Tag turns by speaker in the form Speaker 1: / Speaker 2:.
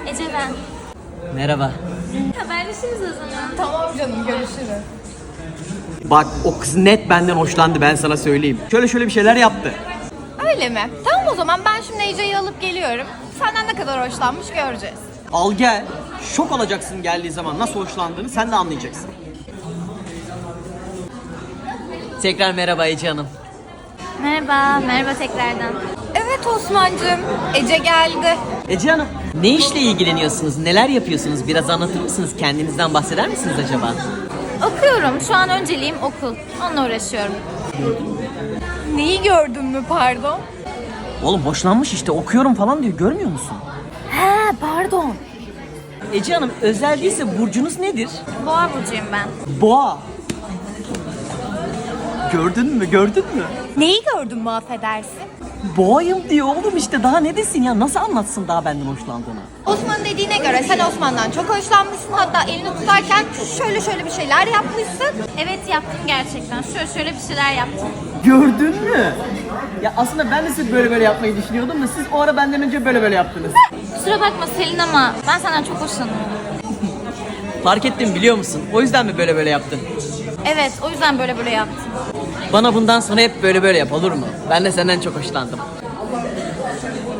Speaker 1: Ece ben.
Speaker 2: Merhaba.
Speaker 1: Haberleşiriz o zaman.
Speaker 3: Tamam canım, görüşürüz.
Speaker 2: Bak o kız net benden hoşlandı, ben sana söyleyeyim. Şöyle bir şeyler yaptı.
Speaker 3: Öyle mi? Tamam o zaman ben şimdi Ece'yi alıp geliyorum. Senden ne kadar hoşlanmış göreceğiz.
Speaker 2: Al gel. Şok olacaksın geldiği zaman nasıl hoşlandığını sen de anlayacaksın. Tekrar merhaba Ece Hanım.
Speaker 1: Merhaba tekrardan.
Speaker 3: Evet Osman'cığım, Ece geldi.
Speaker 2: Ece Hanım, ne işle ilgileniyorsunuz, neler yapıyorsunuz? Biraz anlatır mısınız? Kendinizden bahseder misiniz acaba?
Speaker 1: Okuyorum. Şu an önceliğim okul. Onunla uğraşıyorum.
Speaker 3: Neyi gördün mü pardon?
Speaker 2: Oğlum hoşlanmış işte, okuyorum falan diyor, görmüyor musun?
Speaker 3: He pardon.
Speaker 2: Ece Hanım, özel değilse burcunuz nedir?
Speaker 1: Boğa burcuyum ben.
Speaker 2: Boğa. Gördün mü?
Speaker 3: Neyi gördün mü affedersin?
Speaker 2: Boğayım diyor oğlum işte, daha ne desin ya, nasıl anlatsın daha benden hoşlandığını?
Speaker 3: Osman'ın dediğine göre sen Osman'dan çok hoşlanmışsın. Hatta elini tutarken şöyle bir şeyler yapmışsın.
Speaker 1: Evet yaptım gerçekten. Şöyle bir şeyler yaptım.
Speaker 2: Gördün mü? Ya aslında ben de siz böyle yapmayı düşünüyordum da siz o ara benden önce böyle yaptınız.
Speaker 1: Kusura bakma Selin ama ben senden çok hoşlanıyorum.
Speaker 2: Fark ettim biliyor musun? O yüzden mi böyle yaptın?
Speaker 1: Evet o yüzden böyle yaptım.
Speaker 2: Bana bundan sonra hep böyle yap, olur mu? Ben de senden çok hoşlandım.